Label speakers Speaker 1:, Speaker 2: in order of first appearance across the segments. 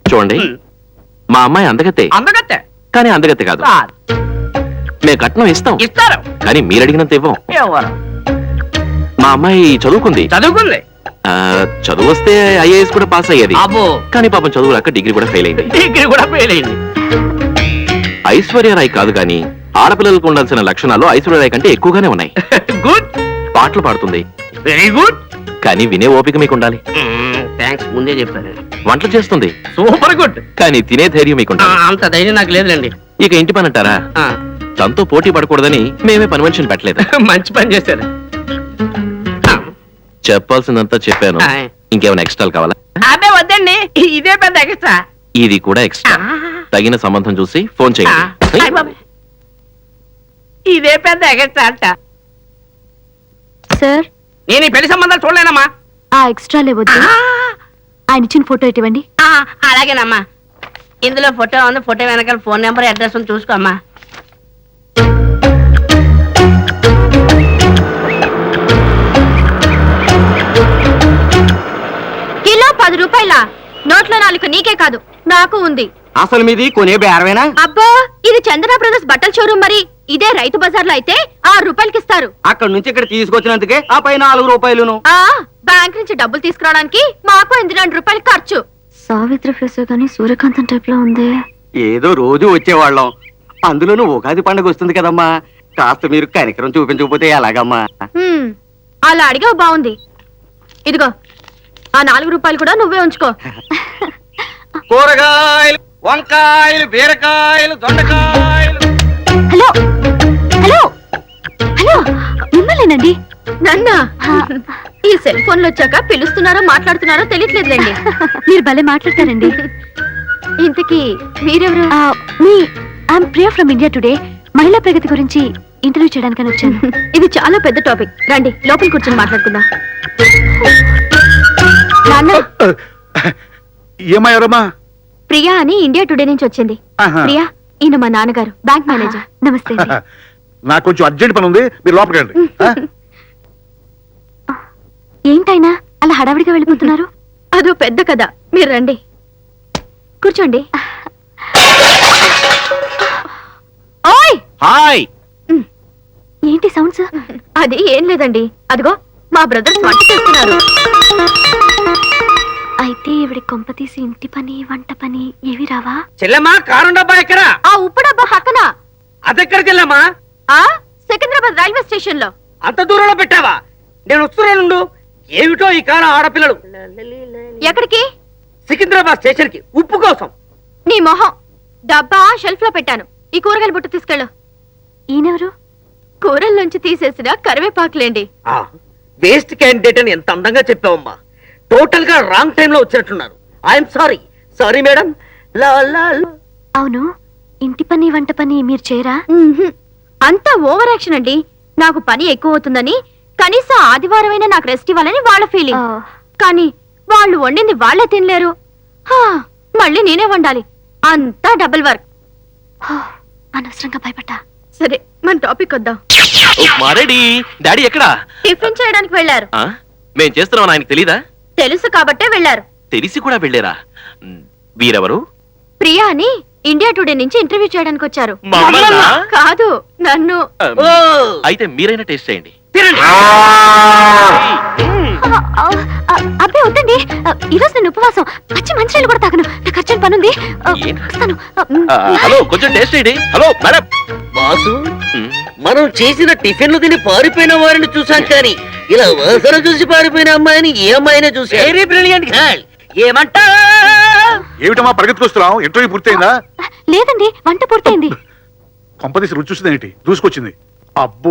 Speaker 1: చూడండి, మా అమ్మాయి అందగతే
Speaker 2: అందగత్తే
Speaker 1: కానీ అందగతే కాదు. మేము కట్నం ఇస్తాం,
Speaker 2: ఇస్తారు.
Speaker 1: కానీ మీరు అడిగినంత ఇవ్వం.
Speaker 2: ఎవరు
Speaker 1: మా అమ్మాయి చదువుకుంది,
Speaker 2: చదువుకుంది?
Speaker 1: చదువు వస్తే ఐఏఎస్ కూడా పాస్ అయ్యేది.
Speaker 2: అబ్బో,
Speaker 1: కానీ పాపం చదువు రాక డిగ్రీ కూడా ఫెయిల్ అయింది.
Speaker 2: డిగ్రీ కూడా ఫెయిల్ అయింది.
Speaker 1: ఐశ్వర్యరాయ్ కాదు కానీ ఆడపిల్లలకు ఉండాల్సిన లక్షణాలు ఐశ్వర్యరాయ్ కంటే ఎక్కువగానే ఉన్నాయి.
Speaker 2: గుడ్,
Speaker 1: పాటలు పాడుతుంది,
Speaker 2: వెరీ గుడ్.
Speaker 1: కానీ వినే ఓపిక మీకు ఉండాలి.
Speaker 2: థ్యాంక్స్, ముందే చెప్పారు.
Speaker 1: వంటలు చేస్తుంది,
Speaker 2: సూపర్ గుడ్.
Speaker 1: కానీ తినే ధైర్యం మీకు ఉండాలి.
Speaker 2: అంత ధైర్యం నాకు లేదులేండి.
Speaker 1: ఇక ఇంటి పని అంటారా, తనతో పోటీ పడకూడదని మేమే పని మనిషిని పెట్టలేదు.
Speaker 2: మంచి పని చేశారు.
Speaker 1: చెప్పాల్సిందంతా చెప్పాను. ఇంకేమైనా ఎక్స్ట్రాలు కావాలా?
Speaker 2: అదే వద్దండి, ఇదే పెద్ద ఎక్స్ట్రా.
Speaker 1: ఇది కూడా ఎక్స్ట్రా. తగిన సంబంధం చూసి ఫోన్ చేయండి.
Speaker 2: ఇదే పెద్ద ఎక్స్ట్రా అంట.
Speaker 3: సార్,
Speaker 2: నేను ఈ పెళ్లి సంబంధాలు చూడలేనమ్మా.
Speaker 3: ఆ ఎక్స్ట్రా లేవద్దు, ఆయన ఇచ్చిన ఫోటో ఇవ్వండి.
Speaker 2: అలాగేనమ్మా. ఇందులో ఫోటో ఉంది, ఫోటో వెనకాల ఫోన్ నెంబర్ అడ్రస్ ఉంది, చూసుకోమ్మా.
Speaker 3: కిలో 10 రూపాయల నోట్లో 4 నీకే కాదు నాకు ఉంది.
Speaker 2: అసలు మీది కొనే బేరమేనా?
Speaker 3: అబ్బా, ఇది చందన బ్రదర్స్ బట్టల షోరూమ్. మరి ఇదే రైతు బజార్లో అయితే 6 రూపాయలకి ఇస్తారు.
Speaker 2: అక్కడ నుంచి ఇక్కడ తీసుకొచ్చినందుకే ఆ పై 4 రూపాయలును.
Speaker 3: బ్యాంక్ నుంచి డబ్బులు తీసుకురావడానికి మాకు 8 రూపాయలు ఖర్చు. సావిత్రి ఫేస్ కానీ సూర్యకాంతం టైప్ లో ఉంది.
Speaker 2: ఏదో రోజు వచ్చేవాళ్ళం, అందులోనూ ఉగాది పండుగ వస్తుంది కదమ్మా. కాస్త మీరు కనికరం చూపించకపోతే ఎలాగమ్మా?
Speaker 3: అలా అడిగావు, బాగుంది. ఇదిగో ఆ 4 రూపాయలు కూడా నువ్వే ఉంచుకో.
Speaker 2: కూరగాయలు, వంకాయలు, బీరకాయలు, దొండకాయలు.
Speaker 3: హలో హలో హలో, మిమ్మల్నేనండి. నన్నా? ఈ సెల్ ఫోన్లు వచ్చాక పిలుస్తున్నారో మాట్లాడుతున్నారో తెలియట్లేదులేండి. మీరు భలే మాట్లాడతారండి. ఇంతకీ మీరెవరు? మీ I'm Priya from India Today. మహిళా ప్రగతి గురించి ఇంటర్వ్యూ చేయడానికని వచ్చాను. ఇది చాలా పెద్ద టాపిక్, రండి లోపల కూర్చొని మాట్లాడుకుందాం.
Speaker 4: ఏమయ్యారమ్మా?
Speaker 3: ప్రియా అని ఇండియా టుడే నుంచి వచ్చింది. ప్రియా, ఈయన మా నాన్నగారు, బ్యాంక్ మేనేజర్. నమస్తే.
Speaker 4: నాకు కొంచెం అర్జెంట్ పని ఉంది, మీరు లోపలికి రండి.
Speaker 3: ఏంటైనా అలా హడావిడిగా వెళ్ళిపోతున్నారు? అదో పెద్ద కథ, మీరు రండి కూర్చోండి. ఓయ్,
Speaker 2: హాయ్.
Speaker 3: ఏంటి సౌండ్స్? అది ఏం లేదండి, అదిగో మా బ్రదర్స్ వంట చేస్తున్నారు. అయితే ఇవిడి కొంప తీసి ఇంటి పని వంట పని ఏవి రావా?
Speaker 2: చెల్లెమ్మా, కారం డబ్బా ఎక్కడ?
Speaker 3: ఆ ఉప్పు డబ్బా పక్కన.
Speaker 2: అదెక్కడ చెల్లెమ్మా?
Speaker 3: సికింద్రాబాద్ రైల్వే స్టేషన్ లో.
Speaker 2: అంత దూరంలో పెట్టావా? నేను వస్తున్నాను. ఏమిటో ఈ కాలం ఆడపిల్లలు.
Speaker 3: ఎక్కడికి?
Speaker 2: సికింద్రాబాద్ స్టేషన్ కి, ఉప్పు కోసం.
Speaker 3: నీ మొహం. డబ్బా షెల్ఫ్ లో పెట్టాను, ఈ కూరగాయల బుట్ట తీసుకెళ్ళు. ఈయనెవరు? కూరల్లోంచి తీసేసిన కరివేపాకులేండి.
Speaker 2: వేస్ట్ క్యాండిడేట్ అని ఎంత అందంగా చెప్పావమ్మా. టోటల్ గా రాంగ్ టైం లో వచ్చినట్టున్నారు. I'm sorry. Sorry madam.
Speaker 3: అవును, ఇంటి పని వంట పని మీరు చేయరా? అంతా ఓవర్ యాక్షన్ అండి. నాకు పని ఎక్కువ అవుతుందని, కనీసం ఆదివారం అయినా నాకు రెస్ట్ ఇవ్వాలని వాళ్ళ ఫీలింగ్. కానీ వాళ్ళు వండింది వాళ్లే తినలేరు, మళ్ళీ నేనే వండాలి. అంతా డబుల్ వర్క్. అనవసరంగా భయపడ్డా. సరే, మన టాపిక్ వద్దాం.
Speaker 1: డాడీ ఎక్కడా?
Speaker 3: టిఫిన్ చేయడానికి వెళ్ళారు.
Speaker 1: మేం చేస్తున్నాం ఆయనకు తెలీదా?
Speaker 3: తెలుసు కాబట్టే వెళ్ళారు.
Speaker 1: తెలిసి కూడా వెళ్ళారా? వీరెవరు?
Speaker 3: ప్రియా అని ఇండియా టుడే నుంచి ఇంటర్వ్యూ చేయడానికి వచ్చారు. కాదు, నన్ను.
Speaker 1: అయితే మీరైనా టేస్ట్ చేయండి.
Speaker 3: అబ్బే వద్దండి, ఈరోజు నేను ఉపవాసం. పచ్చి మంచినీళ్ళు కూడా తాగను, నాకు అర్జెంట్ పనుంది.
Speaker 1: హలో, కొంచెం టేస్ట్ చేయండి. Hello madam.
Speaker 2: బాసు, మనం చేసిన టిఫిన్లు తిని పారిపోయిన వారిని చూసాం, కానీ ఇలా వాసన చూసి పారిపోయిన అమ్మాయిని ఏ అమ్మాయినే చూసి. ఏమంటా?
Speaker 4: ఏమిటమ్మా పరిగెత్తుకొస్తున్నాం? ఇంటర్వ్యూ పూర్తయిందా?
Speaker 3: లేదండి, వంట పూర్తయింది.
Speaker 4: కొంపదీసి రుచి చూసిందేంటి? దూసుకొచ్చింది. అబ్బో.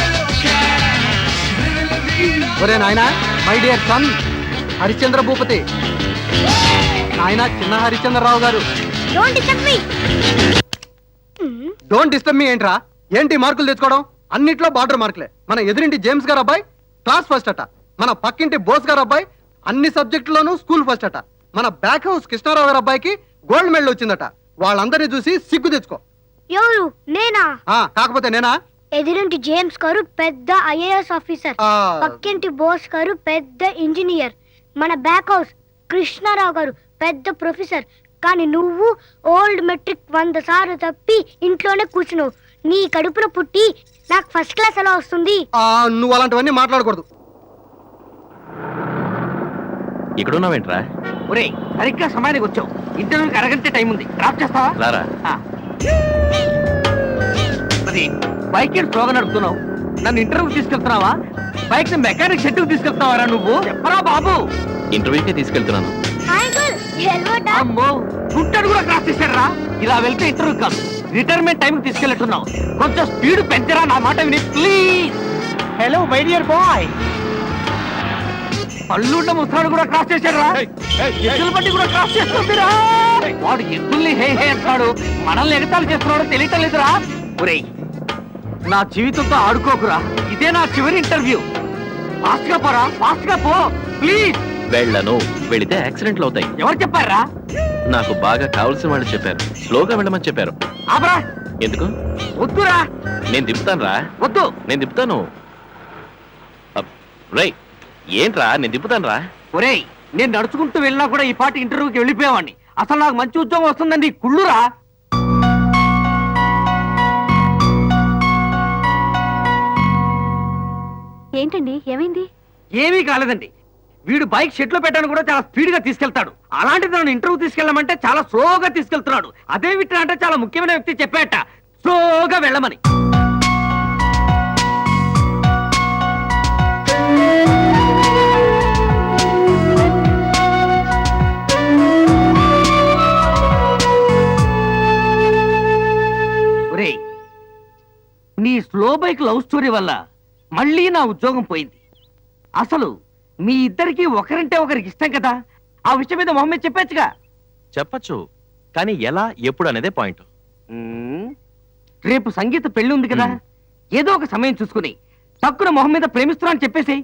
Speaker 5: ఒరే నాయనా, my dear son Harishchandra Bhupathi, నాయన చిన్న హరిశ్చంద్రరావు గారు. డోంట్ డిస్టర్బ్ మీ ఏంట్రా? ఏంటి మార్కులు తెచ్చుకోవడం? అన్నిట్లో బార్డర్ మార్కులే. మన ఎదురింటి జేమ్స్ గారు అబ్బాయి క్లాస్ ఫస్ట్ అట. మన పక్కింటి బోస్ గారు అబ్బాయి అన్ని సబ్జెక్టులోనూ స్కూల్ ఫస్ట్ అట. మన బ్యాక్ హౌస్ కృష్ణారావు గారు అబ్బాయికి గోల్డ్ మెడల్ వచ్చిందట. వాళ్ళందరినీ చూసి సిగ్గు తెచ్చుకో.
Speaker 3: ఎవరు? నేనా?
Speaker 5: కాకపోతే నేనా?
Speaker 3: ఎదురింటి జేమ్స్ గారు పెద్ద ఐఏఎస్ ఆఫీసర్, పక్కింటి బోస్ గారు పెద్ద ఇంజనీర్, మన బ్యాక్ హౌస్ కృష్ణారావు గారు పెద్ద ప్రొఫెసర్,
Speaker 6: కానీ నువ్వు ఓల్డ్ మెట్రిక్ 100 సార్లు తప్పి ఇంట్లోనే కూర్చున్నావు. నీ కడుపున పుట్టి నాకు ఫస్ట్ క్లాస్ ఎలా వస్తుంది?
Speaker 5: నువ్వు అలాంటివన్నీ మాట్లాడకూడదు.
Speaker 1: ఇక్కడున్నావేంట్రా?
Speaker 2: ఒరేయ్, సరిగ్గా సమయానికి వచ్చావు. ఇంటర్వ్యూకి అరగంటే టైం ఉంది. డ్రాప్ చేస్తావా?
Speaker 1: రారా.
Speaker 2: అది బైక్ స్లోగా నడుపుతున్నావు. నన్ను ఇంటర్వ్యూకి తీసుకెళ్తున్నావా? బైక్ మెకానిక్ షెడ్యూకి తీసుకెళ్తున్నావా నువ్వు? చెప్పరా బాబు.
Speaker 1: ఇంటర్వ్యూకే తీసుకెళ్తున్నాను.
Speaker 2: అమ్మో, గుంటడు కూడా క్రాస్ చేశారా? ఇలా వెళ్తే ఇంటర్వ్యూ కాదు, రిటైర్మెంట్ టైం తీసుకెళ్తున్నావు. కొంచెం స్పీడ్ పెంచరా, నా మాట విని please. Hello my dear boy. పళ్ళుండ ముసలాడు కూడా క్రాస్ చేశారా? ఎద్దుల బండి కూడా క్రాస్ చేస్తుందిరా. వాడు ఎద్దుల్ని హే హే అంటాడు, మనల్ని ఎగతాలు చేస్తున్నాడో తెలియటం లేదురా. ఒరేయ్, నా జీవితంతో ఆడుకోకురా. ఇదే నా చివరి ఇంటర్వ్యూ. ఫాస్ట్ గా పోరా, ఫాస్ట్ గా పో ప్లీజ్.
Speaker 1: వెళ్ళను. వెళితే యాక్సిడెంట్లు అవుతాయి.
Speaker 2: ఎవరు చెప్పారా?
Speaker 1: నాకు బాగా కావాల్సిన వాళ్ళు చెప్పారు. స్లోగా వెళ్ళమని చెప్పారు.
Speaker 2: ఆపరా.
Speaker 1: ఎందుకు?
Speaker 2: వద్దురా.
Speaker 1: నేను దింపుతాను రా.
Speaker 2: వద్దు.
Speaker 1: నేను దింపుతాను. రేయ్, ఏంట్రా? నేను దింపుతాను రా.
Speaker 2: ఒరేయ్, నేను నడుచుకుంటూ వెళ్ళినా కూడా ఈ పాటి ఇంటర్వ్యూకి వెళ్ళిపోయేవాడిని. అసలు నాకు మంచి ఉద్యోగం వస్తుందండి. కుళ్ళురా.
Speaker 3: ఏంటండి, ఏమైంది?
Speaker 2: ఏమీ కాలేదండి. వీడు బైక్ షెడ్ లో పెట్టాను కూడా చాలా స్పీడ్ గా తీసుకెళ్తాడు. అలాంటిది నన్ను ఇంటర్వ్యూ తీసుకెళ్ళమంటే చాలా స్లోగా తీసుకెళ్తున్నాడు. అదే విట్రా అంటే చాలా ముఖ్యమైన వ్యక్తి చెప్పాట స్లోగా వెళ్ళమని. ఒరేయ్, నీ స్లో బైక్ లవ్ స్టోరీ వల్ల మళ్ళీ నా ఉద్యోగం పోయింది. అసలు మీ ఇద్దరికి ఒకరంటే ఒకరికి ఇష్టం కదా. ఆ విషయం మీద మొహమ్మద్ చెప్పచ్చుగా.
Speaker 1: చెప్పచ్చు, కానీ ఎలా, ఎప్పుడు అనేదే పాయింట్.
Speaker 2: రేపు సంగీత పెళ్లి ఉంది కదా, ఏదో ఒక సమయం చూసుకుని తక్కువ మొహం మీద ప్రేమిస్తున్నా అని చెప్పేసి.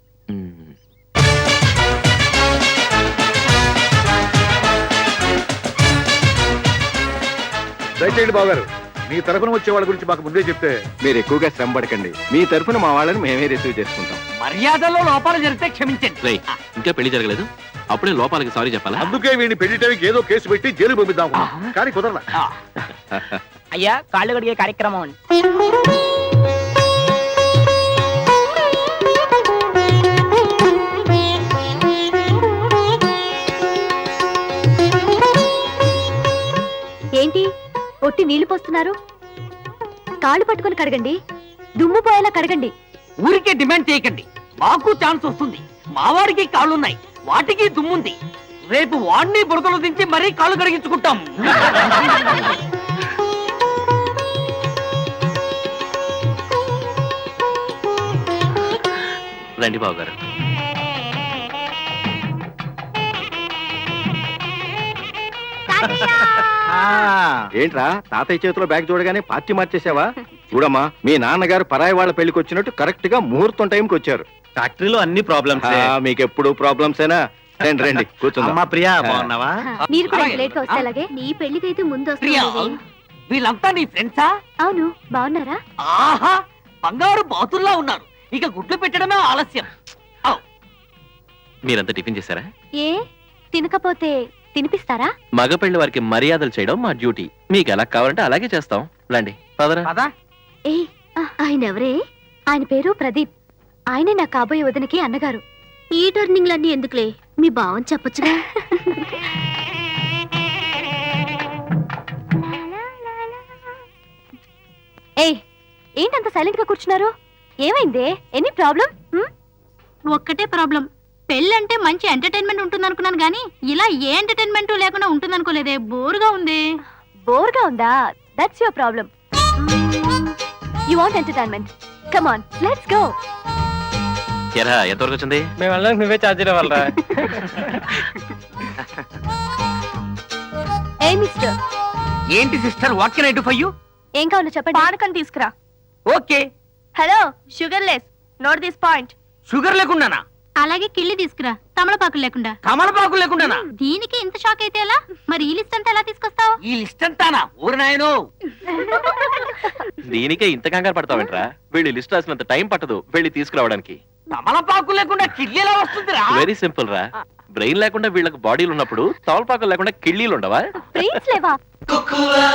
Speaker 4: దయచేయండి బావగారు, మీ తరఫున వచ్చే వాళ్ళ గురించి మాకు ముందే చెప్తే.
Speaker 7: మీరు ఎక్కువగా శ్రమ పడకండి. మీ తరఫున మా వాళ్ళని మేమే రిసీవ్ చేసుకుంటాం.
Speaker 2: మర్యాదలో లోపాలు జరిగితే క్షమించండి.
Speaker 1: రేయ్, ఇంకా పెళ్లి జరగలేదు, అప్పుడే లోపాలకి సారీ చెప్పాలా?
Speaker 4: అందుకే వీడిని పెళ్లి టైంకి ఏదో కేసు పెట్టి జైలు పంపిద్దాం, కానీ కుదరలా.
Speaker 8: అయ్యా, కాళ్ళు కడిగే కార్యక్రమం.
Speaker 3: ఏంటి ఒట్టి నీళ్లు పోస్తున్నారు? కాళ్ళు పట్టుకొని కడగండి, దుమ్ము పోయేలా కడగండి.
Speaker 2: ఊరికే డిమాండ్ చేయకండి. మాకు ఛాన్స్ వస్తుంది. మావాడికి కాళ్ళున్నాయి, వాటికి దుమ్ముంది. రేపు వాడిని బురదలు దించి మరీ కాళ్ళు కడిగించుకుంటాం.
Speaker 1: రండి బాబు గారు.
Speaker 7: ఏంట్రా, తాతయ్య చేతిలో బ్యాగ్ చూడగానే పార్టీ మార్చేసావా? చూడమ్మా, మీ నాన్నగారు పరాయి వాళ్ళ పెళ్లికి వచ్చినట్టు కరెక్ట్ గా ముహూర్తం టైంకి వచ్చారు.
Speaker 1: ఫ్యాక్టరీలో అన్ని ప్రాబ్లమ్స్.
Speaker 7: మీకు ఎప్పుడు ప్రాబ్లమ్సేనా? రండి రండి, కూర్చుందాం.
Speaker 1: ప్రియా, బాగున్నావా?
Speaker 3: మీరు కూడా లేట్ గా వస్తే అలాగే. నీ పెళ్లికైతే ముందు
Speaker 2: ప్రియా,
Speaker 3: వస్తుంది.
Speaker 2: వీళ్ళంతా నీ ఫ్రెండ్సా?
Speaker 3: అవును, బాగున్నారా?
Speaker 2: ఆహా, బంగారు బాతుల్లా ఉన్నారు. ఇక గుడ్లు పెట్టడమే ఆలస్యం.
Speaker 1: మీరంతా టిఫిన్ చేశారా?
Speaker 3: ఏ తినకపోతే తినిపిస్తారా?
Speaker 1: మగ పెళ్లి వారికి మర్యాదలు చేయడం మా డ్యూటీ. మీకు ఎలా కావాలంటే అలాగే చేస్తాం. రండి, పదరా.
Speaker 2: పదా.
Speaker 3: ఏ ఆయన ఎవరే? ఆయన పేరు ప్రదీప్. ఆయనే నా కాబోయే వదినకి అన్నగారు. ఈ టర్నింగ్లన్నీ ఎందుకులే, మీ బావని చెప్పొచ్చుగా. ఏ ఏంటంత సైలెంట్ గా కూర్చున్నారు? ఏమైందే? Any problem?
Speaker 9: ఒక్కటే ప్రాబ్లం. పెళ్ళంటే మంచి ఎంటర్టైన్మెంట్ ఉంటుంది అనుకున్నాను గానీ ఇలా ఏ ఎంటర్టైన్మెంట్ లేకుండా ఉంటుంది అనుకోలేదే. బోర్గా ఉంది.
Speaker 3: బోర్గా ఉందా? That's your problem. You want entertainment? Come on, let's go.
Speaker 1: ఎరా, ఎంతవరకు వచ్చింది?
Speaker 8: మేము వెళ్ళడానికి నువ్వే ఛార్జీలు ఇవ్వాలరా.
Speaker 3: ఏ మిస్టర్,
Speaker 2: ఏంటి sister, what can I do for you?
Speaker 3: ఏం కావాలో చెప్పండి. పానకం తీసుకురా.
Speaker 2: Okay.
Speaker 3: Hello, sugar less. Note this point.
Speaker 2: షుగర్ లేకుండానా?
Speaker 9: అలాగే కిళ్ళి తీసుకురా, తమలపాకులు లేకుండా.
Speaker 2: కమలపాకులు లేకుండానా?
Speaker 9: దీనికి ఇంత షాక్ అయితే ఎలా? మరి ఈ లిస్ట్ అంతా ఎలా తీసుకొస్తావు?
Speaker 2: ఈ లిస్ట్ అంతానా? ఊరి నాయనో.
Speaker 1: దీనికే ఇంత కంగారు పడతావేంట్రా? వెళ్ళి లిస్ట్ రాసినంత టైం పట్టదు వెళ్ళి తీసుకురావడానికి.
Speaker 2: తమలపాకులు లేకుండా కిడ్నీ ఎలా వస్తుందిరా?
Speaker 1: వెరీ సింపుల్ రా. బ్రెయిన్ లేకుండా వీళ్ళకి బాడీలు ఉన్నప్పుడు తవలపాకలు లేకుండా కిళ్ళీలు ఉండవా
Speaker 3: బ్రెయిన్స్ లేవా